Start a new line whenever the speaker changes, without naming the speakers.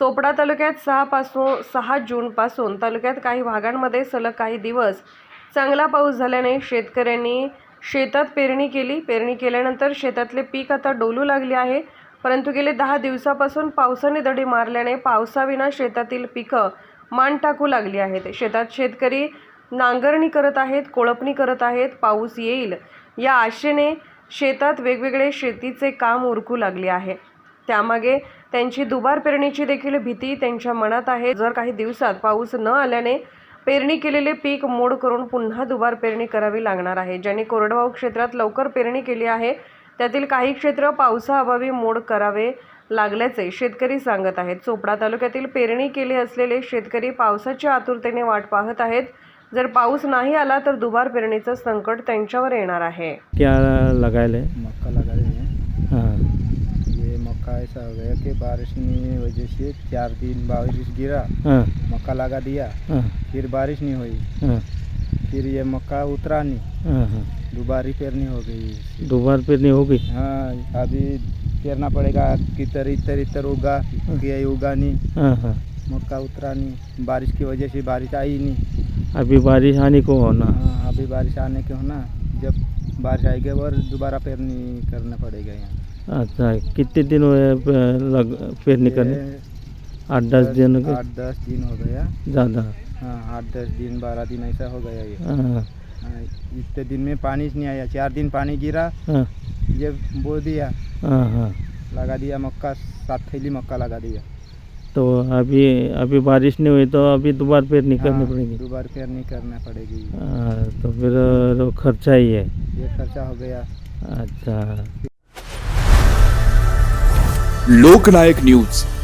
चोपडा तालुक्यात 6 जूनपासून तालुक्यात काही भागांमध्ये सलग काही दिवस चांगला पाऊस झाल्याने शेतकऱ्यांनी शेतात पेरणी केली. पेरणी केल्यानंतर शेतातले पीक आता डोलू लागले आहे. परंतु गेले 10 दिवसापासून पावसाने दडी मारल्याने पावसाविना शेतातील पिकं मान टाकू लागली आहेत. शेतात शेतकरी नांगरणी करत आहेत, कोळपणी करत आहेत. पाऊस येईल या आशेने शेतात वेगवेगळे शेतीचे काम उरकू लागले आहे. त्यामागे त्यांची दुबार पेरणीची देखील भीती त्यांच्या मनात आहे. जर काही दिवसात पाऊस न आल्याने पेरणी केलेले पीक मोड करून पुन्हा दुबार पेरणी करावी लागणार आहे. ज्यांनी कोरडवाहू क्षेत्रात लवकर पेरणी केली आहे त्यातील काही क्षेत्र पावसाअभावी मोड करावे लागल्याचे शेतकरी सांगत आहेत. चोपडा तालुक्यातील पेरणी केली असलेले शेतकरी पावसाच्या आतुरतेने वाट पाहत आहेत. जर पाऊस नाही आला तर दुबार पेरणीचं संकट त्यांच्यावर येणार आहे.
क्या लगाए
मक्का लगा रहे हैं।
हाँ
ये मक्का ऐसा हो गया कि बारिश की वजह से 4 दिन बारिश गिरा,
हाँ
मक्का लगा दिया,
हाँ
फिर बारिश नहीं हुई,
हाँ
फिर ये मक्का उतरा नहीं,
हाँ हाँ
दोबारी पेरनी हो गई।
दोबार पेरनी होगी।
हाँ अभी पेरना पड़ेगा कि इतर उगा कि ये उगा नहीं,
हाँ हाँ
मक्का उतरा नहीं, बारिश की वजह से बारिश आई नहीं।
अभी बारिश आने को होना।
हाँ अभी बारिश आने के होना, जब बारिश आएगी और दोबारा पेरनी करना पड़ेगा यहाँ।
अच्छा कितने दिन हुए पेरनी करने? 8-10 दिन के
8-10 दिन हो गया
ज़्यादा।
हाँ 8-10 दिन 12 दिन ऐसा हो गया ये।
हाँ
हाँ, इतने दिन में पानी नहीं आया, 4 दिन पानी गिरा,
हाँ
जब बो दिया,
हाँ हाँ
लगा दिया मक्का, 7 थैली मक्का लगा दिया।
तो अभी बारिश नहीं हुई तो अभी दोबारा पेरनी करनी पड़ेगी।
दोबारा पेरनी करना पड़ेगी।
हाँ, तो फिर खर्चा ही है।
ये खर्चा हो गया।
अच्छा
लोकनायक न्यूज